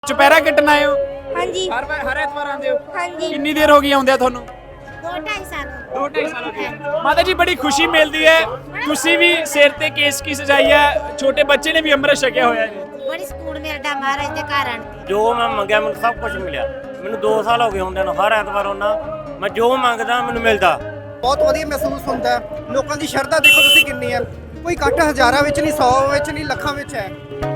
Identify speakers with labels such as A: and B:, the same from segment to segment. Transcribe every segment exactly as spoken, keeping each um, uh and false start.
A: ਚੁਪਹਿਰਾ ਕੱਟਣ ਆਏ ਹੋ?
B: ਹਾਂਜੀ
A: ਹਰ ਵਾਰ ਹਰ ਐਤਵਾਰ ਆਉਂਦੇ ਹੋ?
B: ਹਾਂਜੀ
A: ਕਿੰਨੀ ਦੇਰ ਹੋ ਗਈ ਆਉਂਦਿਆਂ ਤੁਹਾਨੂੰ?
B: ਦੋ ਢਾਈ ਸਾਲ
A: ਦੋ ਢਾਈ ਸਾਲ ਹੋ ਗਏ। ਮਾਤਾ ਜੀ ਬੜੀ ਖੁਸ਼ੀ ਮਿਲਦੀ ਹੈ, ਤੁਸੀਂ ਵੀ ਸਿਰ ਤੇ ਕੇਸਕੀ ਸਜਾਈ ਹੈ, ਛੋਟੇ ਬੱਚੇ ਨੇ ਵੀ ਅੰਮ੍ਰਿਤ ਛਕਿਆ ਹੋਇਆ ਜੀ।
B: ਬੜੀ ਸਕੂਨ ਮਿਲਦਾ ਮਹਾਰਾਜ ਦੇ ਘਰ ਆਣ ਕੇ।
C: ਜੋ ਮੈਂ ਮੰਗਿਆ ਮੈਨੂੰ ਸਭ ਕੁਝ ਮਿਲਿਆ। ਮੈਨੂੰ ਦੋ ਸਾਲ ਹੋ ਗਏ ਹੁੰਦੇ ਨੂੰ ਹਰ ਐਤਵਾਰ ਆਉਣਾ, ਮੈਂ ਜੋ ਮੰਗਦਾ ਮੈਨੂੰ ਮਿਲਦਾ।
D: ਬਹੁਤ ਵਧੀਆ ਮਹਿਸੂਸ ਹੁੰਦਾ ਹੈ। ਲੋਕਾਂ ਦੀ ਸ਼ਰਧਾ ਦੇਖੋ ਤੁਸੀਂ ਕਿੰਨੀ ਹੈ। ਕੋਈ ਇਕੱਠ ਹਜ਼ਾਰਾਂ ਵਿੱਚ ਨਹੀਂ, ਸੌ ਵਿੱਚ ਨਹੀਂ, ਲੱਖਾਂ ਵਿੱਚ ਹੈ।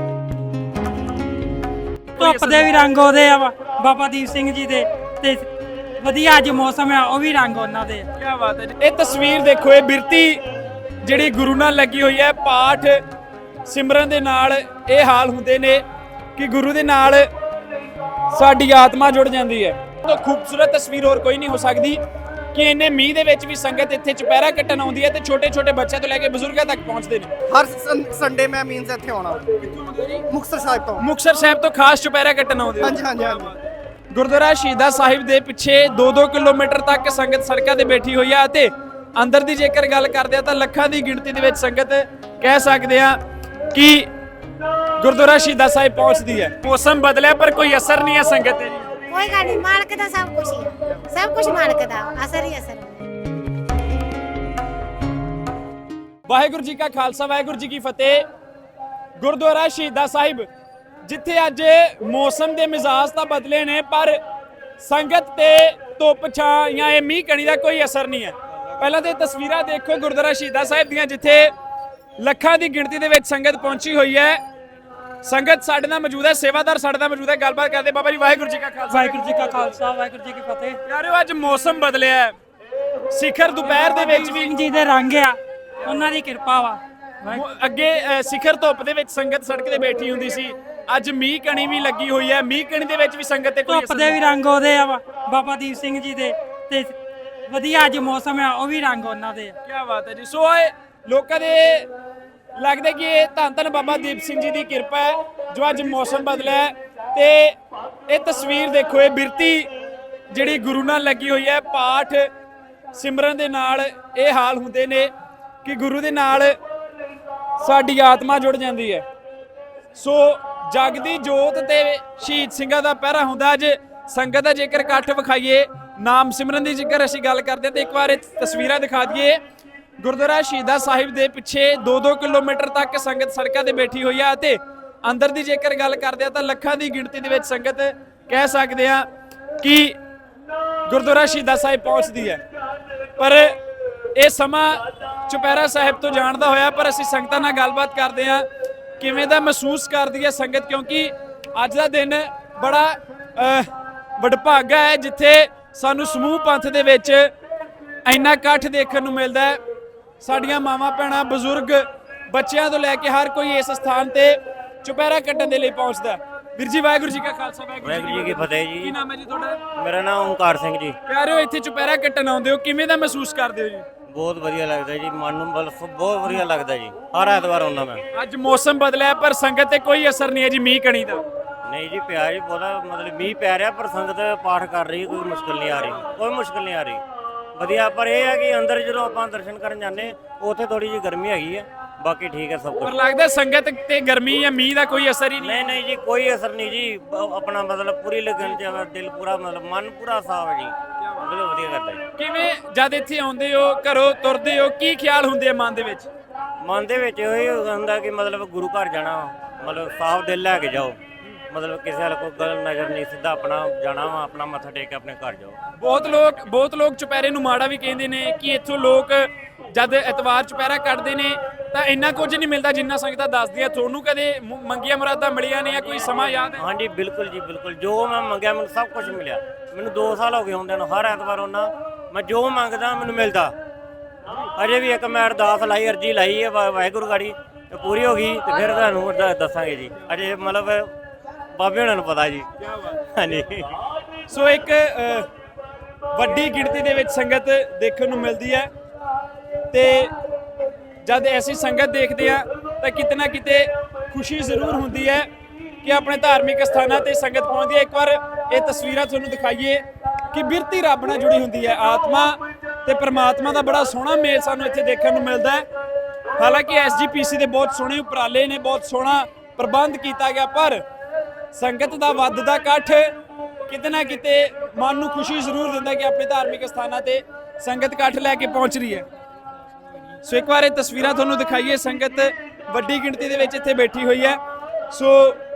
E: ਧੁੱਪ ਦੇ ਵੀ ਰੰਗ ਉਹਦੇ ਆ ਬਾਬਾ ਦੀਪ ਸਿੰਘ ਜੀ ਦੇ, ਤੇ ਵਧੀਆ ਅੱਜ ਮੌਸਮ ਆ ਉਹ ਵੀ ਰੰਗ ਉਹਨਾਂ ਦੇ।
A: ਕੀ ਬਾਤ ਹੈ ਜੀ। ਇਹ ਤਸਵੀਰ ਦੇਖੋ, ਇਹ ਬਿਰਤੀ ਜਿਹੜੀ ਗੁਰੂ ਨਾਲ ਲੱਗੀ ਹੋਈ ਹੈ। ਪਾਠ ਸਿਮਰਨ ਦੇ ਨਾਲ ਇਹ ਹਾਲ ਹੁੰਦੇ ਨੇ ਕਿ ਗੁਰੂ ਦੇ ਨਾਲ ਸਾਡੀ ਆਤਮਾ ਜੁੜ ਜਾਂਦੀ ਹੈ। ਤਾਂ ਖੂਬਸੂਰਤ ਤਸਵੀਰ ਹੋਰ ਕੋਈ ਨਹੀਂ ਹੋ ਸਕਦੀ ਕਿ ਇੰਨੇ ਮੀਂਹ ਦੇ ਵਿੱਚ ਵੀ ਸੰਗਤ ਇੱਥੇ ਚੁਪਹਿਰਾ ਕੱਟਣ ਆਉਂਦੀ ਹੈ ਤੇ ਛੋਟੇ ਛੋਟੇ ਬੱਚਿਆਂ ਤੋਂ ਲੈ ਕੇ ਬਜ਼ੁਰਗਾਂ ਤੱਕ ਪਹੁੰਚਦੇ ਨੇ।
D: ਹਰ ਸੰਡੇ ਮੈਂ ਮੀਨਸ ਇੱਥੇ ਆਉਣਾ। ਮੁਕਤਸਰ ਸਾਹਿਬ ਤੋਂ।
A: ਮੁਕਤਸਰ ਸਾਹਿਬ ਤੋਂ ਖਾਸ ਚੁਪਹਿਰਾ ਕੱਟਣ ਆਉਂਦੇ ਹੋ?
D: ਹਾਂਜੀ ਹਾਂਜੀ ਹਾਂਜੀ।
A: ਗੁਰਦੁਆਰਾ ਸ਼ਹੀਦਾਂ ਸਾਹਿਬ ਦੇ ਪਿੱਛੇ ਦੋ ਦੋ ਕਿਲੋਮੀਟਰ ਤੱਕ ਸੰਗਤ ਸੜਕਾਂ ਤੇ ਬੈਠੀ ਹੋਈ ਆ ਅਤੇ ਅੰਦਰ ਦੀ ਜੇਕਰ ਗੱਲ ਕਰਦੇ ਆ ਤਾਂ ਲੱਖਾਂ ਦੀ ਗਿਣਤੀ ਦੇ ਵਿੱਚ ਸੰਗਤ ਕਹਿ ਸਕਦੇ ਆ ਕਿ ਗੁਰਦੁਆਰਾ ਸ਼ਹੀਦਾਂ ਸਾਹਿਬ ਪਹੁੰਚਦੀ ਹੈ। ਮੌਸਮ ਬਦਲਿਆ ਪਰ ਕੋਈ ਅਸਰ ਨਹੀਂ ਹੈ ਸੰਗਤ ਤੇ।
B: ਕੋਈ ਗੱਲ ਨਹੀਂ, ਮਾਲਕ ਦਾ ਸਭ ਕੁਝ ਹੀ ਆ, ਸਭ ਕੁਝ ਮਾਲਕ ਦਾ, ਅਸਰ ਹੀ ਅਸਰ।
A: ਵਾਹਿਗੁਰੂ ਜੀ ਕਾ ਖਾਲਸਾ, ਵਾਹਿਗੁਰੂ ਜੀ ਕੀ ਫਤਿਹ। ਗੁਰਦੁਆਰਾ ਸ਼ਹੀਦਾਂ ਸਾਹਿਬ ਜਿੱਥੇ ਅੱਜ ਮੌਸਮ ਦੇ ਮਿਜ਼ਾਜ ਤਾਂ ਬਦਲੇ ਨੇ ਪਰ ਸੰਗਤ ਤੇ ਧੁੱਪ ਛਾਂ ਜਾਂ ਇਹ ਮੀਂਹ ਕਣੀ ਦਾ ਕੋਈ ਅਸਰ ਨਹੀਂ ਹੈ। ਪਹਿਲਾਂ ਤੇ ਤਸਵੀਰਾਂ ਦੇਖੋ ਗੁਰਦੁਆਰਾ ਸ਼ਹੀਦਾਂ ਸਾਹਿਬ ਦੀਆਂ, ਜਿੱਥੇ ਲੱਖਾਂ ਦੀ ਗਿਣਤੀ ਦੇ ਵਿੱਚ ਸੰਗਤ ਪਹੁੰਚੀ ਹੋਈ ਹੈ। ਸੰਗਤ ਸਾਡੇ ਨਾਲ ਮੌਜੂਦ ਹੈ, ਸੇਵਾਦਾਰ ਸਾਡੇ ਨਾਲ ਮੌਜੂਦ ਹੈ, ਗੱਲਬਾਤ ਕਰਦੇ। ਬਾਬਾ ਜੀ ਵਾਹਿਗੁਰੂ ਜੀ ਕਾ ਖਾਲਸਾ,
E: ਵਾਹਿਗੁਰੂ ਜੀ ਕਾ ਖਾਲਸਾ, ਵਾਹਿਗੁਰੂ ਜੀ ਕੀ ਫਤਿਹ।
A: ਯਾਰੋ ਅੱਜ ਮੌਸਮ ਬਦਲਿਆ ਹੈ, ਸਿਖਰ ਦੁਪਹਿਰ ਦੇ ਵਿੱਚ ਵੀ
E: ਸਿੰਘ ਜੀ ਦੇ ਰੰਗ ਆ, ਉਹਨਾਂ ਦੀ ਕਿਰਪਾ ਵਾ।
A: ਅੱਗੇ ਅ, ਸਿਖਰ ਧੁੱਪ ਦੇ ਵਿੱਚ ਸੰਗਤ ਸੜਕ ਤੇ ਬੈਠੀ ਹੁੰਦੀ ਸੀ, ਅੱਜ ਮੀਂਹ ਕਣੀ ਵੀ ਲੱਗੀ ਹੋਈ ਹੈ। ਮੀਂਹ ਕਣੀ ਦੇ ਵਿੱਚ ਵੀ ਸੰਗਤ ਤੇ ਕੋਈ
E: ਧੁੱਪ ਦੇ ਵੀ ਰੰਗ ਉਹਦੇ ਆ ਬਾਬਾ ਦੀਪ ਸਿੰਘ ਜੀ ਦੇ, ਤੇ ਵਧੀਆ ਅੱਜ ਮੌਸਮ ਆ ਉਹ ਵੀ ਰੰਗ ਉਹਨਾਂ ਦੇ।
A: ਕੀ ਬਾਤ ਹੈ ਜੀ। ਸੋ ਇਹ ਲੋਕਾਂ ਦੇ ਲੱਗਦਾ ਕਿ ਇਹ ਧੰਨ ਧੰਨ ਬਾਬਾ ਦੀਪ ਸਿੰਘ ਜੀ ਦੀ ਕਿਰਪਾ ਹੈ ਜੋ ਅੱਜ ਮੌਸਮ ਬਦਲਿਆ ਹੈ। ਤੇ ਇਹ ਤਸਵੀਰ ਦੇਖੋ, ਇਹ ਬਿਰਤੀ ਜਿਹੜੀ ਗੁਰੂ ਨਾਲ ਲੱਗੀ ਹੋਈ ਹੈ। ਪਾਠ ਸਿਮਰਨ ਦੇ ਨਾਲ ਇਹ ਹਾਲ ਹੁੰਦੇ ਨੇ ਕਿ ਗੁਰੂ ਦੇ ਨਾਲ ਸਾਡੀ ਆਤਮਾ ਜੁੜ ਜਾਂਦੀ ਹੈ। ਸੋ ਜਗਦੀ ਜੋਤ ਤੇ ਸ਼ਹੀਦ ਸਿੰਘਾਂ ਦਾ ਪਹਿਰਾ ਹੁੰਦਾ। ਅੱਜ ਸੰਗਤ ਦਾ ਜੇਕਰ ਇਕੱਠ ਵਿਖਾਈਏ, ਨਾਮ ਸਿਮਰਨ ਦੀ ਜੇਕਰ ਅਸੀਂ ਗੱਲ ਕਰਦੇ ਤੇ ਇੱਕ ਵਾਰ ਇਹ ਤਸਵੀਰਾਂ ਦਿਖਾ ਦਈਏ। ਗੁਰਦੁਆਰਾ ਸ਼ਹੀਦਾਂ ਸਾਹਿਬ ਦੇ ਪਿੱਛੇ ਦੋ ਦੋ ਕਿਲੋਮੀਟਰ ਤੱਕ ਸੰਗਤ ਸੜਕਾਂ ਤੇ ਬੈਠੀ ਹੋਈ ਆ ਅਤੇ ਅੰਦਰ ਦੀ ਜੇਕਰ ਗੱਲ ਕਰਦੇ ਆ ਤਾਂ ਲੱਖਾਂ ਦੀ ਗਿਣਤੀ ਦੇ ਵਿੱਚ ਸੰਗਤ ਕਹਿ ਸਕਦੇ ਆ ਕਿ ਗੁਰਦੁਆਰਾ ਸ਼ਹੀਦਾਂ ਸਾਹਿਬ ਪਹੁੰਚਦੀ ਹੈ। ਪਰ ਇਹ ਸਮਾਂ ਚੁਪਹਿਰਾ ਸਾਹਿਬ ਤੋਂ ਜਾਣਦਾ ਹੋਇਆ ਪਰ ਅਸੀਂ ਸੰਗਤਾਂ ਨਾਲ ਗੱਲਬਾਤ ਕਰਦੇ ਆ ਕਿਵੇਂ ਦਾ ਮਹਿਸੂਸ ਕਰਦੀ ਹੈ ਸੰਗਤ, ਕਿਉਂਕਿ ਅੱਜ ਦਾ ਦਿਨ ਬੜਾ ਵਡਭਾਗਾ ਹੈ ਜਿੱਥੇ ਸਾਨੂੰ ਸਮੂਹ ਪੰਥ ਦੇ ਵਿੱਚ ਇੰਨਾ ਇਕੱਠ ਦੇਖਣ ਨੂੰ ਮਿਲਦਾ ਹੈ। ਸਾਡੀਆਂ ਮਾਵਾਂ ਭੈਣਾਂ ਬਜ਼ੁਰਗ ਬੱਚਿਆਂ ਤੋਂ ਲੈ ਕੇ ਹਰ ਕੋਈ ਇਸ ਸਥਾਨ ਤੇ ਚੁਪਹਿਰਾ ਕੱਟਣ ਦੇ ਲਈ ਪਹੁੰਚਦਾ। ਵੀਰ ਜੀ ਵਾਹਿਗੁਰੂ ਜੀ ਕਾ ਖਾਲਸਾ,
C: ਵਾਹਿਗੁਰੂ ਜੀ ਕੀ ਫਤਿਹ ਜੀ।
A: ਕੀ ਨਾਮ ਹੈ ਜੀ ਤੁਹਾਡਾ?
C: ਮੇਰਾ ਨਾਮ ਓਮਕਾਰ ਸਿੰਘ ਜੀ।
A: ਪਿਆਰਿਓ ਇੱਥੇ ਚੁਪਹਿਰਾ ਕੱਟਣ ਆਉਂਦੇ ਹੋ, ਕਿਵੇਂ ਦਾ ਮਹਿਸੂਸ ਕਰਦੇ ਹੋ ਜੀ?
C: ਬਹੁਤ ਵਧੀਆ ਲੱਗਦਾ ਜੀ, ਮਨ ਨੂੰ ਬਲ ਬਹੁਤ ਵਧੀਆ ਲੱਗਦਾ ਜੀ। ਹਰ ਐਤਵਾਰ ਆਉਣਾ ਮੈਂ।
A: ਅੱਜ ਮੌਸਮ ਬਦਲਿਆ ਪਰ ਸੰਗਤ ਤੇ ਕੋਈ ਅਸਰ ਨਹੀਂ ਹੈ ਜੀ ਮੀਂਹ ਕਣੀ ਦਾ।
C: ਨਹੀਂ ਜੀ ਪਿਆ ਜੀ, ਬਹੁਤਾ ਮਤਲਬ ਮੀਂਹ ਪੈ ਰਿਹਾ ਪਰ ਸੰਗਤ ਪਾਠ ਕਰ ਰਹੀ, ਕੋਈ ਮੁਸ਼ਕਲ ਨਹੀਂ ਆ ਰਹੀ, ਕੋਈ ਮੁਸ਼ਕਲ ਨਹੀਂ ਆ ਰਹੀ। ਵਧੀਆ, ਪਰ ਇਹ ਹੈ ਕਿ ਅੰਦਰ ਜਦੋਂ ਆਪਾਂ ਦਰਸ਼ਨ ਕਰਨ ਜਾਂਦੇ ਉੱਥੇ ਥੋੜੀ ਜਿਹੀ ਗਰਮੀ ਹੈਗੀ ਹੈ, ਬਾਕੀ ਠੀਕ ਹੈ ਸਭ ਕੁਝ।
A: ਪਰ ਲੱਗਦਾ ਸੰਗਤ ਤੇ ਗਰਮੀ ਜਾਂ ਮੀਂਹ ਦਾ ਕੋਈ ਅਸਰ ਹੀ ਨਹੀਂ।
C: ਨਹੀਂ ਨਹੀਂ ਜੀ, ਕੋਈ ਅਸਰ ਨਹੀਂ ਜੀ। ਆਪਣਾ ਮਤਲਬ ਪੂਰੀ ਲਗਨ ਚ ਦਿਲ ਪੂਰਾ, ਮਤਲਬ ਮਨ ਪੂਰਾ ਸਾਫ ਹੈ ਜੀ, ਬਹੁਤ ਵਧੀਆ ਕਰਦਾ ਜੀ।
A: ਕਿਵੇਂ ਜਦ ਇੱਥੇ ਆਉਂਦੇ ਹੋ, ਘਰੋਂ ਤੁਰਦੇ ਹੋ, ਕੀ ਖਿਆਲ ਹੁੰਦੇ ਆ ਮਨ ਦੇ ਵਿੱਚ?
C: ਮਨ ਦੇ ਵਿੱਚ ਇਹ ਹੁੰਦਾ ਕਿ ਮਤਲਬ ਗੁਰੂ ਘਰ ਜਾਣਾ, ਮਤਲਬ ਸਾਫ ਦਿਲ ਲੈ ਕੇ ਜਾਓ, ਮਤਲਬ ਕਿਸੇ ਵਾਲ ਕੋਈ ਗਲਤ ਨਜ਼ਰ ਨਹੀਂ, ਸਿੱਧਾ ਆਪਣਾ ਜਾਣਾ ਵਾ, ਆਪਣਾ ਮੱਥਾ ਟੇਕ ਕੇ ਆਪਣੇ ਘਰ ਜਾਓ। ਬਹੁਤ ਲੋਕ ਬਹੁਤ ਲੋਕ ਚੁਪਹਿਰੇ ਨੂੰ ਮਾੜਾ ਵੀ ਕਹਿੰਦੇ ਨੇ ਕਿ ਇੱਥੋਂ ਲੋਕ ਜਦ ਐਤਵਾਰ ਚੁਪਹਿਰਾ ਕੱਟਦੇ ਨੇ ਤਾਂ ਇੰਨਾ ਕੁਝ ਨਹੀਂ ਮਿਲਦਾ ਜਿੰਨਾ ਸੰਗਤਾਂ ਦੱਸਦੀਆਂ। ਤੁਹਾਨੂੰ ਕਦੇ ਮੰਗੀਆਂ ਮੁਰਾਦਾਂ ਮਿਲੀਆਂ ਨੇ ਜਾਂ ਕੋਈ ਸਮਾਂ ਯਾਦ ਹੈ? ਹਾਂਜੀ ਬਿਲਕੁਲ ਜੀ, ਬਿਲਕੁਲ। ਜੋ ਮੈਂ ਮੰਗਿਆ ਮੈਨੂੰ ਸਭ ਕੁਝ ਮਿਲਿਆ। ਮੈਨੂੰ ਦੋ ਸਾਲ ਹੋ ਗਏ ਹੁੰਦੇ ਨੂੰ ਹਰ ਐਤਵਾਰ ਆਉਣਾ, ਮੈਂ ਜੋ ਮੰਗਦਾ ਮੈਨੂੰ ਮਿਲਦਾ। ਅਜੇ ਵੀ ਇੱਕ ਮੈਂ ਅਰਦਾਸ ਲਾਈ, ਅਰਜੀ ਲਾਈ ਹੈ ਵਾਹਿਗੁਰੂ ਗਾੜੀ, ਤੇ ਪੂਰੀ ਹੋ ਗਈ ਤੇ ਫਿਰ ਤੁਹਾਨੂੰ ਦੱਸਾਂਗੇ ਜੀ। ਅਜੇ ਮਤਲਬ ਬਾਬੇ ਉਹਨਾਂ ਨੂੰ ਪਤਾ ਜੀ। ਹਾਂਜੀ।
A: ਸੋ ਇੱਕ ਵੱਡੀ ਗਿਣਤੀ ਦੇ ਵਿੱਚ ਸੰਗਤ ਦੇਖਣ ਨੂੰ ਮਿਲਦੀ ਹੈ ਤੇ ਜਦ ਐਸੀ ਸੰਗਤ ਦੇਖਦੇ ਆ ਤਾਂ ਕਿਤੇ ਨਾ ਕਿਤੇ ਖੁਸ਼ੀ ਜ਼ਰੂਰ ਹੁੰਦੀ ਹੈ ਕਿ ਆਪਣੇ ਧਾਰਮਿਕ ਸਥਾਨਾਂ ਤੇ ਸੰਗਤ ਪਹੁੰਚਦੀ ਹੈ। ਇੱਕ ਵਾਰ ਇਹ ਤਸਵੀਰਾਂ ਤੁਹਾਨੂੰ ਦਿਖਾਈਏ ਕਿ ਬਿਰਤੀ ਰੱਬ ਨਾਲ ਜੁੜੀ ਹੁੰਦੀ ਹੈ। ਆਤਮਾ ਤੇ ਪਰਮਾਤਮਾ ਦਾ ਬੜਾ ਸੋਹਣਾ ਮੇਲ ਸਾਨੂੰ ਇੱਥੇ ਦੇਖਣ ਨੂੰ ਮਿਲਦਾ ਹੈ। ਹਾਲਾਂਕਿ ਐਸ ਜੀ ਪੀ ਸੀ ਦੇ ਬਹੁਤ ਸੋਹਣੇ ਉਪਰਾਲੇ ਨੇ, ਬਹੁਤ ਸੋਹਣਾ ਪ੍ਰਬੰਧ ਕੀਤਾ ਗਿਆ, ਪਰ ਸੰਗਤ ਦਾ ਵੱਧਦਾ ਇਕੱਠ ਕਿਤੇ ਨਾ ਕਿਤੇ ਮਨ ਨੂੰ ਖੁਸ਼ੀ ਜ਼ਰੂਰ ਦਿੰਦਾ ਕਿ ਆਪਣੇ ਧਾਰਮਿਕ ਸਥਾਨਾਂ ਤੇ ਸੰਗਤ ਇਕੱਠ ਲੈ ਕੇ ਪਹੁੰਚ ਰਹੀ ਹੈ। ਸੋ ਇੱਕ ਵਾਰ ਇਹ ਤਸਵੀਰਾਂ ਤੁਹਾਨੂੰ ਦਿਖਾਈਏ, ਸੰਗਤ ਵੱਡੀ ਗਿਣਤੀ ਦੇ ਵਿੱਚ ਇੱਥੇ ਬੈਠੀ ਹੋਈ ਹੈ। ਸੋ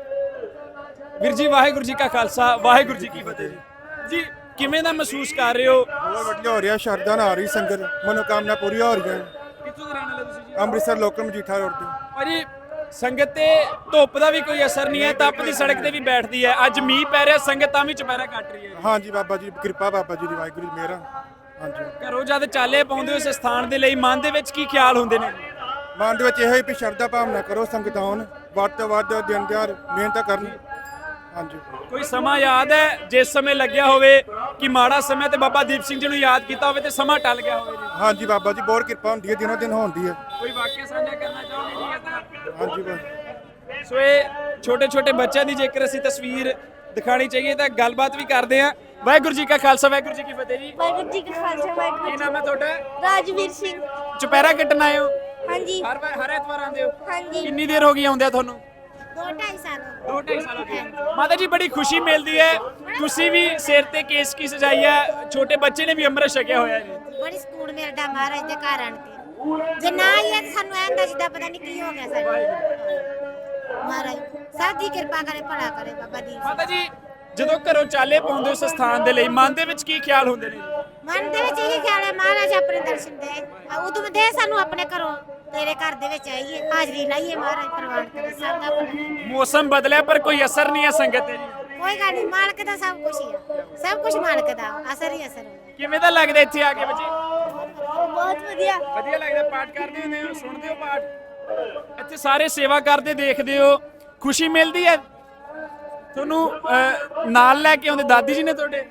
A: ਵੀਰ ਜੀ, ਵਾਹਿਗੁਰੂ ਜੀ ਕਾ ਖਾਲਸਾ, ਵਾਹਿਗੁਰੂ ਜੀ ਕੀ ਫਤਿਹ ਜੀ। ਕਿਵੇਂ ਦਾ ਮਹਿਸੂਸ ਕਰ ਰਹੇ ਹੋ?
F: ਬਹੁਤ ਵਧੀਆ ਹੋ ਰਿਹਾ, ਸ਼ਰਧਾ ਨਾਲ ਆ ਰਹੀ ਸੰਗਤ, ਮਨੋਕਾਮਨਾ ਪੂਰੀ ਹੋ ਰਹੀਆਂ।
A: ਕਿੱਥੋਂ ਦੇ ਰਹਿਣ ਵਾਲੇ ਤੁਸੀਂ ਜੀ?
F: ਅੰਮ੍ਰਿਤਸਰ ਲੋਕਲ ਮਜੀਠਾ ਰੋਡ ਤੇ।
A: ਭਾਜੀ ਸੰਗਤ ਤੇ ਧੁੱਪ ਦਾ ਵੀ ਕੋਈ ਅਸਰ ਨਹੀਂ ਹੈ, ਤਪਦੀ ਸੜਕ ਤੇ ਵੀ ਬੈਠਦੀ ਹੈ। ਅੱਜ ਮੀਂਹ ਪੈ ਰਿਹਾ, ਸੰਗਤ ਤਾਂ ਵੀ ਚੁਪਹਿਰਾ ਕੱਟ ਰਹੀ ਹੈ।
F: ਹਾਂਜੀ ਬਾਬਾ ਜੀ ਦੀ ਕਿਰਪਾ, ਬਾਬਾ ਜੀ ਦੀ ਵਾਹਿਗੁਰੂ ਦੀ ਮਿਹਰ। ਹਾਂਜੀ,
A: ਘਰੋਂ ਜਦ ਚਾਲੇ ਪਾਉਂਦੇ ਹੋ ਇਸ ਸਥਾਨ ਦੇ ਲਈ, ਮਨ ਦੇ ਵਿੱਚ ਕੀ ਖਿਆਲ ਹੁੰਦੇ ਨੇ?
F: ਮਨ ਦੇ ਵਿੱਚ ਇਹੋ ਹੀ ਵੀ ਸ਼ਰਧਾ ਭਾਵਨਾ ਕਰੋ, ਸੰਗਤ ਆਉਣ, ਵੱਧ ਤੋਂ ਵੱਧ ਦਿਨ ਦਿਹਾੜ ਮਿਹਨਤ ਕਰਨ। ਹਾਂਜੀ,
A: ਕੋਈ ਸਮਾਂ ਯਾਦ ਹੈ ਜਿਸ ਸਮੇਂ ਲੱਗਿਆ ਹੋਵੇ ਕਿ ਮਾੜਾ ਸਮਾਂ ਤੇ ਬਾਬਾ ਦੀਪ ਸਿੰਘ ਜੀ ਨੂੰ ਯਾਦ ਕੀਤਾ ਹੋਵੇ ਤੇ ਸਮਾਂ ਟਲ ਗਿਆ ਹੋਵੇ ਜੀ?
F: ਹਾਂਜੀ ਬਾਬਾ ਜੀ ਬਹੁਤ ਕਿਰਪਾ ਹੁੰਦੀ ਹੈ, ਦਿਨੋਂ ਦਿਨ ਹੁੰਦੀ ਹੈ।
A: ਕੋਈ ਵਾਕਿਆ ਸਾਂਝਾ ਕਰਨਾ ਚਾਹੋਗੇ ਜੀ ਇਸ ਤਰ੍ਹਾਂ?
F: ਹਾਂਜੀ ਬਸ।
A: ਸੋ ਇਹ ਛੋਟੇ ਛੋਟੇ ਬੱਚਿਆਂ ਦੀ ਜੇਕਰ ਅਸੀਂ ਤਸਵੀਰ ਦਿਖਾਣੀ ਚਾਹੀਏ ਤਾਂ ਗੱਲਬਾਤ ਵੀ ਕਰਦੇ ਹਾਂ। ਵਾਹਿਗੁਰੂ ਜੀ ਕਾ ਖਾਲਸਾ, ਵਾਹਿਗੁਰੂ ਜੀ ਕੀ ਫਤਿਹ ਜੀ।
G: ਵਾਹਿਗੁਰੂ ਜੀ ਕਾ ਖਾਲਸਾ, ਵਾਹਿਗੁਰੂ
A: ਕੀ ਨਾਮ ਹੈ ਤੁਹਾਡਾ?
G: ਰਾਜਵੀਰ ਸਿੰਘ।
A: ਚੁਪਹਿਰਾ ਕੱਟਣ ਆਏ ਹੋ?
G: ਹਾਂਜੀ
A: ਹਰ ਵਾਰ ਹਰ ਐਤਵਾਰ ਆਉਂਦੇ ਹੋ?
G: ਹਾਂਜੀ
A: ਕਿੰਨੀ ਦੇਰ ਹੋ ਗਈ ਆਉਂਦਿਆਂ ਤੁਹਾਨੂੰ?
B: ਦੋ ਢਾਈ ਸਾਲ ਹੋ
A: ਦੋ ਢਾਈ ਸਾਲ ਹੋ ਗਏ। ਮਾਤਾ ਜੀ ਬੜੀ ਖੁਸ਼ੀ ਮਿਲਦੀ ਹੈ, ਤੁਸੀਂ ਵੀ ਸਿਰ ਤੇ ਕੇਸ ਕੀ ਸਜਾਈ ਹੈ, ਛੋਟੇ ਬੱਚੇ ਨੇ ਵੀ ਅੰਮ੍ਰਿਤ ਛਕਿਆ ਹੋਇਆ ਜੀ।
B: ਗਏ ਬੜੀ ਸਕੂਨ ਮਿਲਦਾ ਮਹਾਰਾਜ ਦੇ ਘਰ ਆਣ ਕੇ। ਜੇ ਨਾ ਆਈਏ ਤਾਂ ਸਾਨੂੰ ਐਂ ਹੁੰਦਾ ਜਿੱਦਾਂ ਪਤਾ ਨਹੀਂ ਕੀ ਹੋ ਗਿਆ ਸਾਡੇ। ਮਹਾਰਾਜ ਸਭ ਦੀ ਕਿਰਪਾ ਕਰੇ, ਭਲਾ ਕਰੇ ਬਾਬਾ ਦੀਪ ਸਿੰਘ।
A: ਮਾਤਾ ਜੀ ਜਦੋਂ ਘਰੋਂ ਚਾਲੇ ਪਾਉਂਦੇ ਹੋ ਇਸ ਸਥਾਨ ਦੇ ਲਈ, ਮਨ ਦੇ ਵਿੱਚ ਕੀ ਖਿਆਲ ਹੁੰਦੇ ਨੇ?
B: ਮਨ ਦੇ ਵਿੱਚ ਇਹ ਖਿਆਲ ਹੈ ਮਹਾਰਾਜ ਆਪਣੇ ਦਰਸ਼ਨ ਦੇ, ਉਦੋਂ ਦੇ ਸਾਨੂੰ ਆਪਣੇ ਘਰੋਂ ਤੇਰੇ ਘਰ ਦੇ ਵਿੱਚ ਆਈਏ, ਹਾਜ਼ਰੀ ਲਾਈਏ, ਮਹਾਰਾਜ ਪ੍ਰਵਾਨ ਕਰੇ ਸਭ ਦਾ ਭਲਾ।
A: ਮੌਸਮ ਬਦਲਿਆ ਪਰ ਕੋਈ ਅਸਰ ਨਹੀਂ ਹੈ ਸੰਗਤ ਤੇ ਜੀ।
B: ਕੋਈ ਗੱਲ ਨਹੀਂ, ਮਾਲਕ ਦਾ ਸਭ ਕੁਝ ਹੀ ਆ, ਸਭ ਕੁਝ ਮਾਲਕ ਦਾ, ਅਸਰ ਹੀ ਅਸਰ ਹੁੰਦਾ।
A: ਕਿਵੇਂ ਦਾ ਲੱਗਦਾ ਇੱਥੇ ਆ ਕੇ ਬੱਚੇ?
G: ਬਹੁਤ ਵਧੀਆ।
A: ਵਧੀਆ ਲੱਗਦਾ। ਪਾਠ ਕਰਦੇ ਹੁੰਦੇ ਹੋ, ਸੁਣਦੇ ਹੋ ਪਾਠ? ਇੱਥੇ ਸਾਰੇ ਸੇਵਾ ਕਰਦੇ ਦੇਖਦੇ ਹੋ, ਖੁਸ਼ੀ ਮਿਲਦੀ ਹੈ ਤੁਹਾਨੂੰ? ਅਹ, ਨਾਲ ਲੈ ਕੇ ਆਉਂਦੇ ਦਾਦੀ ਜੀ ਨੇ ਤੁਹਾਡੇ?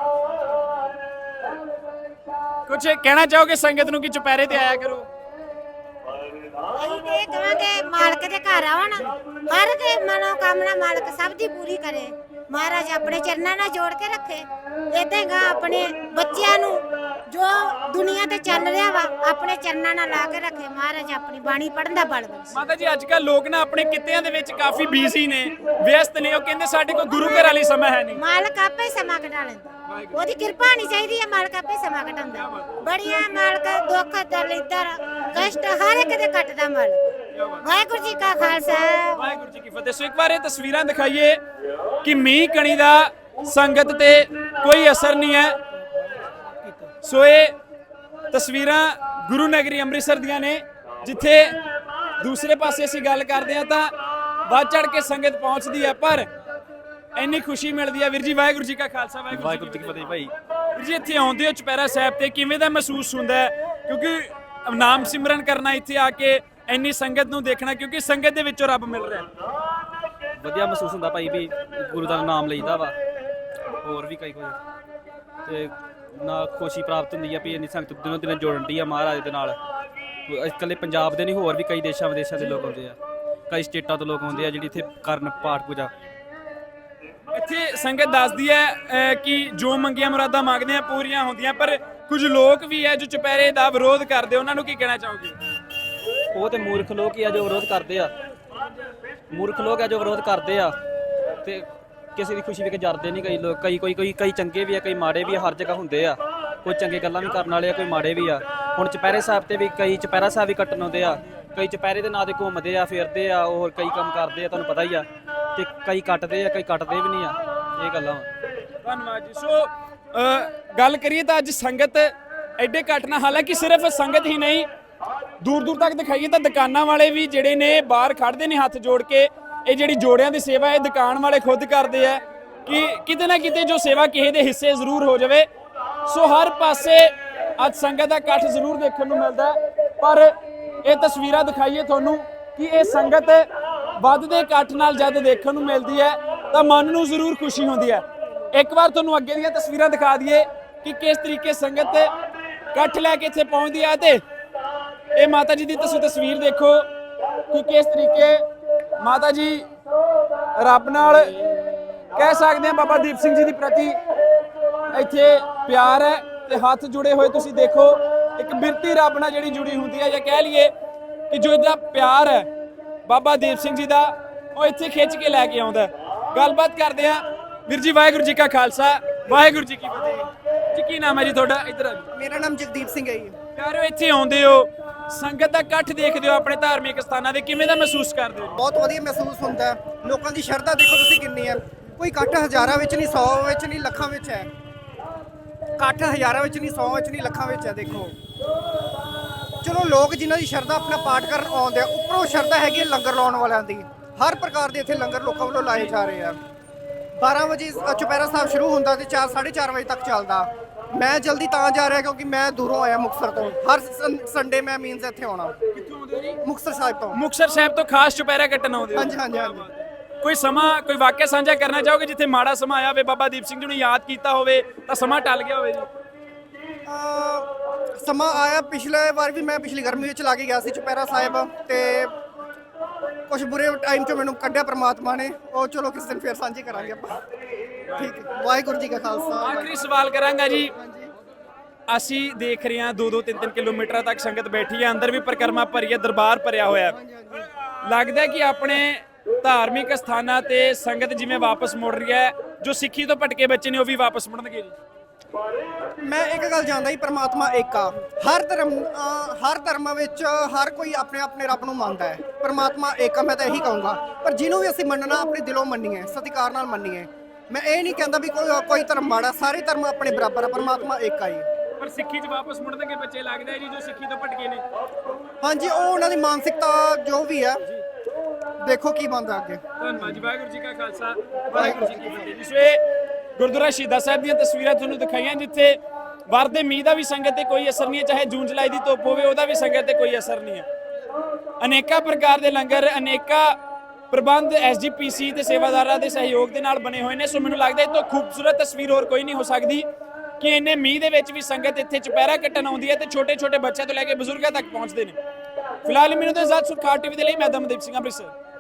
A: ਕੁਝ ਕਹਿਣਾ ਚਾਹੋਗੇ ਸੰਗਤ ਨੂੰ ਕਿ ਚੁਪਹਿਰੇ ਤੇ ਆਇਆ ਕਰੋ?
B: ਅਸੀਂ ਤੇ ਇਹ ਕਹਾਂਗੇ ਮਾਲਕ ਦੇ ਘਰ ਆਉਣ, ਹਰ ਕੇ ਮਨੋਕਾਮਨਾ ਮਾਲਕ ਸਭ ਦੀ ਪੂਰੀ ਕਰੇ। ਮਹਾਰਾਜ ਆਪਣੇ ਚਰਨਾਂ ਨਾਲ ਜੋੜ ਕੇ ਰੱਖੇ। ਏਦਾਂ ਹੀ ਗਾ ਆਪਣੇ ਬੱਚਿਆਂ ਨੂੰ ਜੋ ਦੁਨੀਆ ਤੇ ਚੱਲ ਰਿਹਾ ਵਾ ਆਪਣੇ ਚਰਨਾਂ ਨਾਲ ਲਾ ਕੇ ਰੱਖੇ। ਮਹਾਰਾਜ ਆਪਣੀ ਬਾਣੀ ਪੜ੍ਹਨ ਦਾ ਬਲ ਬਖਸ਼ੇ।
A: ਮਾਤਾ ਜੀ ਅੱਜ ਕੱਲ ਲੋਕ ਨਾ ਆਪਣੇ ਕਿੱਤਿਆਂ ਦੇ ਵਿੱਚ ਕਾਫੀ ਬਿਜ਼ੀ ਨੇ, ਵਿਅਸਤ ਨੇ, ਉਹ ਕਹਿੰਦੇ ਸਾਡੇ ਕੋਲ ਗੁਰੂ ਘਰ ਵਾਲੀ ਸਮਾਂ ਹੈ ਨਹੀਂ।
B: ਮਾਲਕ ਆਪੇ ਹੀ ਸਮਾਂ ਕਢਾ ਲੈਂਦਾ, ਉਹਦੀ ਕਿਰਪਾ ਹੋਣੀ ਚਾਹੀਦੀ ਹੈ। ਮਾਲਕ ਆਪੇ ਸਮਾਂ ਕਢਾਉਂਦਾ। ਬੜੀਆਂ ਮਾਲਕ ਦੁੱਖ ਦਲਿੱਦਰ ਕਸ਼ਟ ਹਰ ਇੱਕ ਦੇ ਕੱਟਦਾ ਮਾਲਕ। ਵਾਹਿਗੁਰੂ ਜੀ ਕਾ ਖਾਲਸਾ,
A: ਵਾਹਿਗੁਰੂ ਜੀ ਕੀ ਫਤਿਹ। ਸੋ ਇੱਕ ਵਾਰ ਇਹ ਤਸਵੀਰਾਂ ਦਿਖਾਈਏ ਕਿ ਮੀਂਹ ਕਣੀ ਦਾ ਸੰਗਤ ਤੇ ਕੋਈ ਅਸਰ ਨਹੀਂ ਹੈ। ਸੋ ਇਹ ਤਸਵੀਰਾਂ ਗੁਰੂ ਨਗਰੀ ਅੰਮ੍ਰਿਤਸਰ ਦੀਆਂ ਨੇ, ਜਿੱਥੇ ਦੂਸਰੇ ਪਾਸੇ ਅਸੀਂ ਗੱਲ ਕਰਦੇ ਹਾਂ ਤਾਂ ਵੱਧ ਚੜ ਕੇ ਸੰਗਤ ਪਹੁੰਚਦੀ ਹੈ, ਪਰ ਇੰਨੀ ਖੁਸ਼ੀ ਮਿਲਦੀ ਹੈ। ਵੀਰ ਜੀ ਵਾਹਿਗੁਰੂ ਜੀ ਕਾ ਖਾਲਸਾ,
H: ਵਾਹਿਗੁਰੂ ਜੀ ਕੀ ਫਤਿਹ ਭਾਈ।
A: ਵੀਰ ਜੀ ਇੱਥੇ ਆਉਂਦੇ ਹੋ ਚੁਪਹਿਰਾ ਸਾਹਿਬ ਤੇ, ਕਿਵੇਂ ਦਾ ਮਹਿਸੂਸ ਹੁੰਦਾ ਹੈ? ਕਿਉਂਕਿ ਨਾਮ ਸਿਮਰਨ ਕਰਨਾ, ਇੱਥੇ ਆ ਕੇ ਇੰਨੀ ਸੰਗਤ ਨੂੰ ਦੇਖਣਾ, ਕਿਉਂਕਿ ਸੰਗਤ ਦੇ ਵਿੱਚੋਂ ਰੱਬ ਮਿਲ ਰਿਹਾ।
H: ਵਧੀਆ ਮਹਿਸੂਸ ਹੁੰਦਾ ਭਾਈ ਵੀ ਗੁਰੂ ਦਾ ਨਾਮ ਲਈਦਾ ਵਾ, ਹੋਰ ਵੀ ਕਈ ਕੁਝ ਤੇ ਨਾ ਖੁਸ਼ੀ ਪ੍ਰਾਪਤ ਹੁੰਦੀ ਆ ਵੀ ਇੰਨੀ ਸੰਗਤ ਦਿਨੋਂ ਦਿਨ ਜੋੜਨ ਦੀ ਆ ਮਹਾਰਾਜ ਦੇ ਨਾਲ। ਇਕੱਲੇ ਪੰਜਾਬ ਦੇ ਨਹੀਂ, ਹੋਰ ਵੀ ਕਈ ਦੇਸ਼ਾਂ ਵਿਦੇਸ਼ਾਂ ਦੇ ਲੋਕ ਆਉਂਦੇ ਆ, ਕਈ ਸਟੇਟਾਂ ਤੋਂ ਲੋਕ ਆਉਂਦੇ ਆ ਜਿਹੜੀ ਇੱਥੇ ਕਰਨ ਪਾਠ ਪੂਜਾ।
A: ਇੱਥੇ ਸੰਗਤ ਦੱਸਦੀ ਹੈ ਅਹ, ਕਿ ਜੋ ਮੰਗੀਆਂ ਮੁਰਾਦਾਂ ਮੰਗਦੇ ਆ ਪੂਰੀਆਂ ਹੁੰਦੀਆਂ, ਪਰ ਕੁਝ ਲੋਕ ਵੀ ਹੈ ਜੋ ਚੁਪਹਿਰੇ ਦਾ ਵਿਰੋਧ ਕਰਦੇ, ਉਹਨਾਂ ਨੂੰ ਕੀ ਕਹਿਣਾ ਚਾਹੋਗੇ?
H: ਉਹ ਤੇ ਮੂਰਖ ਲੋਕ ਹੀ ਆ ਜੋ ਵਿਰੋਧ ਕਰਦੇ ਆ, ਮੂਰਖ ਲੋਕ ਆ ਜੋ ਵਿਰੋਧ ਕਰਦੇ ਆ ਤੇ ਕਿਸੇ ਦੀ ਖੁਸ਼ੀ ਵੇਖ ਕੇ ਜਰਦੇ ਨਹੀਂ। ਕਈ ਲੋਕ ਕਈ ਕੋਈ ਕੋਈ ਕਈ ਚੰਗੇ ਵੀ ਆ, ਕਈ ਮਾੜੇ ਵੀ ਆ, ਹਰ ਜਗ੍ਹਾ ਹੁੰਦੇ ਆ। ਕੋਈ ਚੰਗੇ ਗੱਲਾਂ ਵੀ ਕਰਨ ਵਾਲੇ ਆ, ਕੋਈ ਮਾੜੇ ਵੀ ਆ। ਹੁਣ ਚੁਪਹਿਰੇ ਸਾਹਿਬ ਤੇ ਵੀ ਕਈ ਚੁਪਹਿਰਾ ਸਾਹਿਬ ਵੀ ਕੱਟਣ ਆਉਂਦੇ ਆ, ਕਈ ਚੁਪਹਿਰੇ ਦੇ ਨਾਂ ਤੇ ਘੁੰਮਦੇ ਆ, ਫਿਰਦੇ ਆ, ਹੋਰ ਕਈ ਕੰਮ ਕਰਦੇ ਆ, ਤੁਹਾਨੂੰ ਪਤਾ ਹੀ ਆ। ਤੇ ਕਈ ਕੱਟਦੇ ਆ, ਕਈ ਕੱਟਦੇ ਵੀ ਨਹੀਂ ਆ। ਇਹ ਗੱਲਾਂ ਵਾ।
A: ਧੰਨਵਾਦ ਜੀ। ਸੋ ਅਹ, ਗੱਲ ਕਰੀਏ ਤਾਂ ਅੱਜ ਸੰਗਤ ਐਡੇ ਘੱਟ ਨਾ, ਹਾਲਾਂਕਿ ਸਿਰਫ ਸੰਗਤ ਹੀ ਨਹੀਂ, ਦੂਰ ਦੂਰ ਤੱਕ ਦਿਖਾਈਏ ਤਾਂ ਦੁਕਾਨਾਂ ਵਾਲੇ ਵੀ ਜਿਹੜੇ ਨੇ ਬਾਹਰ ਖੜਦੇ ਨੇ ਹੱਥ ਜੋੜ ਕੇ। ਇਹ ਜਿਹੜੀ ਜੋੜਿਆਂ ਦੀ ਸੇਵਾ ਇਹ ਦੁਕਾਨ ਵਾਲੇ ਖੁਦ ਕਰਦੇ ਆ ਕਿ ਕਿਤੇ ਨਾ ਕਿਤੇ ਜੋ ਸੇਵਾ ਕਿਸੇ ਦੇ ਹਿੱਸੇ ਜ਼ਰੂਰ ਹੋ ਜਾਵੇ। ਸੋ ਹਰ ਪਾਸੇ ਅੱਜ ਸੰਗਤ ਦਾ ਇਕੱਠ ਜ਼ਰੂਰ ਦੇਖਣ ਨੂੰ ਮਿਲਦਾ, ਪਰ ਇਹ ਤਸਵੀਰਾਂ ਦਿਖਾਈਏ ਤੁਹਾਨੂੰ ਕਿ ਇਹ ਸੰਗਤ ਵੱਧਦੇ ਇਕੱਠ ਨਾਲ ਜਦ ਦੇਖਣ ਨੂੰ ਮਿਲਦੀ ਹੈ ਤਾਂ ਮਨ ਨੂੰ ਜ਼ਰੂਰ ਖੁਸ਼ੀ ਹੁੰਦੀ ਹੈ। ਇੱਕ ਵਾਰ ਤੁਹਾਨੂੰ ਅੱਗੇ ਦੀਆਂ ਤਸਵੀਰਾਂ ਦਿਖਾ ਦਈਏ ਕਿ ਕਿਸ ਤਰੀਕੇ ਸੰਗਤ ਇਕੱਠ ਲੈ ਕੇ ਇੱਥੇ ਪਹੁੰਚਦੀ ਹੈ। ਤੇ ਇਹ ਮਾਤਾ ਜੀ ਦੀ ਤੁਸੀਂ ਤਸਵੀਰ ਦੇਖੋ ਕਿ ਕਿਸ ਤਰੀਕੇ ਮਾਤਾ ਜੀ ਰੱਬ ਨਾਲ ਕਹਿ ਸਕਦੇ ਹਾਂ ਬਾਬਾ ਦੀਪ ਸਿੰਘ ਜੀ ਦੀ ਪ੍ਰਤੀ ਇੱਥੇ ਪਿਆਰ ਹੈ ਤੇ ਹੱਥ ਜੁੜੇ ਹੋਏ ਤੁਸੀਂ ਦੇਖੋ। ਇੱਕ ਬਿਰਤੀ ਰੱਬ ਨਾਲ ਜਿਹੜੀ ਜੁੜੀ ਹੁੰਦੀ ਹੈ, ਜਾਂ ਕਹਿ ਲਈਏ ਕਿ ਜੋ ਇਹਦਾ ਪਿਆਰ ਹੈ ਬਾਬਾ ਦੀਪ ਸਿੰਘ ਜੀ ਦਾ, ਉਹ ਇੱਥੇ ਖਿੱਚ ਕੇ ਲੈ ਕੇ ਆਉਂਦਾ। ਗੱਲਬਾਤ ਕਰਦੇ ਆ। ਵੀਰ ਜੀ ਵਾਹਿਗੁਰੂ ਜੀ ਕਾ ਖਾਲਸਾ ਵਾਹਿਗੁਰੂ ਜੀ ਕੀ ਫਤਿਹ ਜੀ। ਕੀ ਨਾਮ ਹੈ ਜੀ ਤੁਹਾਡਾ? ਇੱਧਰ ਆ ਜੀ।
D: ਮੇਰਾ ਨਾਮ ਜਗਦੀਪ ਸਿੰਘ ਹੈ ਜੀ।
A: ਯਾਰੋ ਇੱਥੇ ਆਉਂਦੇ ਹੋ, ਸੰਗਤ ਦਾ ਇਕੱਠ ਦੇਖਦੇ ਹੋ ਆਪਣੇ ਧਾਰਮਿਕ ਸਥਾਨਾਂ ਦੇ, ਕਿਵੇਂ ਦਾ ਮਹਿਸੂਸ ਕਰਦੇ ਹੋ?
D: ਬਹੁਤ ਵਧੀਆ ਮਹਿਸੂਸ ਹੁੰਦਾ ਹੈ। ਲੋਕਾਂ ਦੀ ਸ਼ਰਧਾ ਦੇਖੋ ਤੁਸੀਂ ਕਿੰਨੀ ਹੈ। ਕੋਈ ਇਕੱਠ ਹਜ਼ਾਰਾਂ ਵਿੱਚ ਨਹੀਂ, ਸੌ ਵਿੱਚ ਨਹੀਂ, ਲੱਖਾਂ ਵਿੱਚ ਹੈ। ਇਕੱਠ ਹਜ਼ਾਰਾਂ ਵਿੱਚ ਨਹੀਂ, ਸੌ ਵਿੱਚ ਨਹੀਂ, ਲੱਖਾਂ ਵਿੱਚ ਹੈ। ਦੇਖੋ ਚਲੋ ਲੋਕ ਜਿਨ੍ਹਾਂ ਦੀ ਸ਼ਰਧਾ ਆਪਣਾ ਪਾਠ ਕਰਨ ਆਉਂਦੇ ਆ, ਉੱਪਰੋਂ ਸ਼ਰਧਾ ਹੈਗੀ ਹੈ ਲੰਗਰ ਲਾਉਣ ਵਾਲਿਆਂ ਦੀ। ਹਰ ਪ੍ਰਕਾਰ ਦੇ ਇੱਥੇ ਲੰਗਰ ਲੋਕਾਂ ਵੱਲੋਂ ਲਾਏ ਜਾ ਰਹੇ ਆ। ਬਾਰਾਂ ਵਜੇ ਚੁਪਹਿਰਾ ਸਾਹਿਬ ਸ਼ੁਰੂ ਹੁੰਦਾ ਤੇ ਚਾਰ ਸਾਢੇ ਚਾਰ ਵਜੇ ਤੱਕ ਚੱਲਦਾ। ਮੈਂ ਜਲਦੀ ਤਾਂ ਜਾ ਰਿਹਾ ਕਿਉਂਕਿ ਮੈਂ ਦੂਰੋਂ ਆਇਆ ਮੁਕਤਸਰ ਤੋਂ। ਹਰ ਸੰ- ਸੰਡੇ ਮੈਂ ਮੀਨਸ ਇੱਥੇ ਆਉਣਾ।
A: ਕਿੱਥੋਂ ਆਉਂਦੇ ਹੋ ਜੀ?
D: ਮੁਕਤਸਰ ਸਾਹਿਬ ਤੋਂ।
A: ਮੁਕਤਸਰ ਸਾਹਿਬ ਤੋਂ ਖਾਸ ਚੁਪਹਿਰਾ ਕੱਟਣ ਆਉਂਦੇ ਹੋ?
D: ਹਾਂਜੀ ਹਾਂਜੀ ਹਾਂਜੀ।
A: ਕੋਈ ਸਮਾਂ, ਕੋਈ ਵਾਕਿਆ ਸਾਂਝਾ ਕਰਨਾ ਚਾਹੋਗੇ ਜਿੱਥੇ ਮਾੜਾ ਸਮਾਂ ਆਇਆ ਹੋਵੇ, ਬਾਬਾ ਦੀਪ ਸਿੰਘ ਜੀ ਨੂੰ ਯਾਦ ਕੀਤਾ ਹੋਵੇ ਤਾਂ ਸਮਾਂ ਟਲ ਗਿਆ ਹੋਵੇ ਜੀ?
D: ਅਹ ਸਮਾਂ ਆਇਆ, ਪਿਛਲੇ ਵਾਰ ਵੀ ਮੈਂ ਪਿਛਲੀ ਗਰਮੀ ਵਿੱਚ ਲਾ ਕੇ ਗਿਆ ਸੀ ਚੁਪਹਿਰਾ ਸਾਹਿਬ, ਤੇ ਕੁਝ ਬੁਰੇ ਟਾਈਮ 'ਚੋਂ ਮੈਨੂੰ ਕੱਢਿਆ ਪ੍ਰਮਾਤਮਾ ਨੇ। ਉਹ ਚਲੋ ਕਿਸ ਦਿਨ ਫੇਰ ਸਾਂਝੇ ਕਰਾਂਗੇ ਆਪਾਂ। ਠੀਕ ਹੈ। ਵਾਹਿਗੁਰੂ ਜੀ ਕਾ ਖਾਲਸਾ।
A: ਆਖਰੀ ਸਵਾਲ ਕਰਾਂਗਾ ਜੀ। ਅਸੀਂ ਦੇਖ ਰਹੇ ਹਾਂ ਦੋ ਦੋ ਤਿੰਨ ਤਿੰਨ ਕਿਲੋਮੀਟਰ ਤੱਕ ਸੰਗਤ ਬੈਠੀ ਹੈ, ਅੰਦਰ ਵੀ ਪਰਿਕਰਮਾ ਭਰੀ ਹੈ, ਦਰਬਾਰ ਭਰਿਆ ਹੋਇਆ ਹੈ। ਲੱਗਦਾ ਕਿ ਆਪਣੇ ਧਾਰਮਿਕ ਸਥਾਨਾਂ ਤੇ ਸੰਗਤ ਜਿਵੇਂ ਵਾਪਸ ਮੁੜ ਰਹੀ ਹੈ, ਜੋ ਸਿੱਖੀ ਤੋਂ ਭਟਕੇ ਬੱਚੇ ਨੇ ਉਹ ਵੀ ਵਾਪਸ ਮੁੜਨਗੇ ਜੀ?
D: ਮੈਂ ਇੱਕ ਗੱਲ ਜਾਣਦਾ ਹੀ, ਪ੍ਰਮਾਤਮਾ ਇੱਕ ਆ। ਹਰ ਧਰਮ ਅਹ ਹਰ ਧਰਮਾਂ ਵਿੱਚ ਹਰ ਕੋਈ ਆਪਣੇ ਆਪਣੇ ਰੱਬ ਨੂੰ ਮੰਨਦਾ ਹੈ। ਪ੍ਰਮਾਤਮਾ ਇੱਕ ਆ, ਮੈਂ ਤਾਂ ਇਹੀ ਕਹੂੰਗਾ। ਪਰ ਜਿਹਨੂੰ ਵੀ ਅਸੀਂ ਮੰਨਣਾ ਆਪਣੇ ਦਿਲੋਂ ਮੰਨੀਏ, ਸਤਿਕਾਰ ਨਾਲ ਮੰਨੀਏ। ਮੈਂ ਇਹ ਨਹੀਂ ਕਹਿੰਦਾ ਵੀ ਕੋਈ ਕੋਈ ਧਰਮ ਮਾੜਾ, ਸਾਰੇ ਧਰਮ ਆਪਣੇ ਬਰਾਬਰ ਆ। ਪ੍ਰਮਾਤਮਾ ਇੱਕ ਆ ਜੀ।
A: ਪਰ ਸਿੱਖੀ 'ਚ ਵਾਪਸ ਮੁੜਨਗੇ ਬੱਚੇ, ਲੱਗਦਾ ਹੈ ਜੀ, ਜੋ ਸਿੱਖੀ ਤੋਂ ਭਟਕੇ ਨੇ?
D: ਹਾਂਜੀ, ਉਹ ਉਹਨਾਂ ਦੀ ਮਾਨਸਿਕਤਾ ਜੋ ਵੀ ਹੈ, ਦੇਖੋ ਕੀ ਬਣਦਾ ਅੱਗੇ।
A: ਧੰਨਵਾਦ ਜੀ। ਵਾਹਿਗੁਰੂ ਜੀ ਕਾ ਖਾਲਸਾ ਵਾਹਿਗੁਰੂ ਜੀ ਕੀ ਫਤਿਹ ਜੀ। ਸੋ ਇਹ ਗੁਰਦੁਆਰਾ ਸ਼ਹੀਦਾਂ ਸਾਹਿਬ ਦੀਆਂ ਤਸਵੀਰਾਂ ਤੁਹਾਨੂੰ ਦਿਖਾਈਆਂ, ਜਿੱਥੇ ਵਰਦੇ ਮੀਂਹ ਦਾ ਵੀ ਸੰਗਤ ਤੇ ਕੋਈ ਅਸਰ ਨਹੀਂ ਹੈ, ਚਾਹੇ ਜੂਨ ਜੁਲਾਈ ਦੀ ਧੁੱਪ ਹੋਵੇ ਉਹਦਾ ਵੀ ਸੰਗਤ ਤੇ ਕੋਈ ਅਸਰ ਨਹੀਂ ਹੈ। ਅਨੇਕਾਂ ਪ੍ਰਕਾਰ ਦੇ ਲੰਗਰ, ਅਨੇਕਾਂ ਪ੍ਰਬੰਧ ਐਸ ਜੀ ਪੀ ਸੀ ਤੇ ਸੇਵਾਦਾਰਾਂ ਦੇ ਸਹਿਯੋਗ ਦੇ ਨਾਲ ਬਣੇ ਹੋਏ ਨੇ। ਸੋ ਮੈਨੂੰ ਲੱਗਦਾ ਇਹ ਤੋਂ ਖੂਬਸੂਰਤ ਤਸਵੀਰ ਹੋਰ ਕੋਈ ਨਹੀਂ ਹੋ ਸਕਦੀ ਕਿ ਇੰਨੇ ਮੀਂਹ ਦੇ ਵਿੱਚ ਵੀ ਸੰਗਤ ਇੱਥੇ ਚੁਪਹਿਰਾ ਕੱਟਣ ਆਉਂਦੀ ਹੈ ਤੇ ਛੋਟੇ ਛੋਟੇ ਬੱਚਿਆਂ ਤੋਂ ਲੈ ਕੇ ਬਜ਼ੁਰਗਾਂ ਤੱਕ ਪਹੁੰਚਦੇ ਨੇ। ਫਿਲਹਾਲ ਮੈਨੂੰ ਤਾਂ ਆਜ਼ਾਦ ਸੁਰਖਾਰ ਟੀਵੀ ਦੇ ਲਈ ਮੈਂ ਦਮਦੀਪ ਸਿੰਘ ਅੰਮ੍ਰਿਤਸਰ।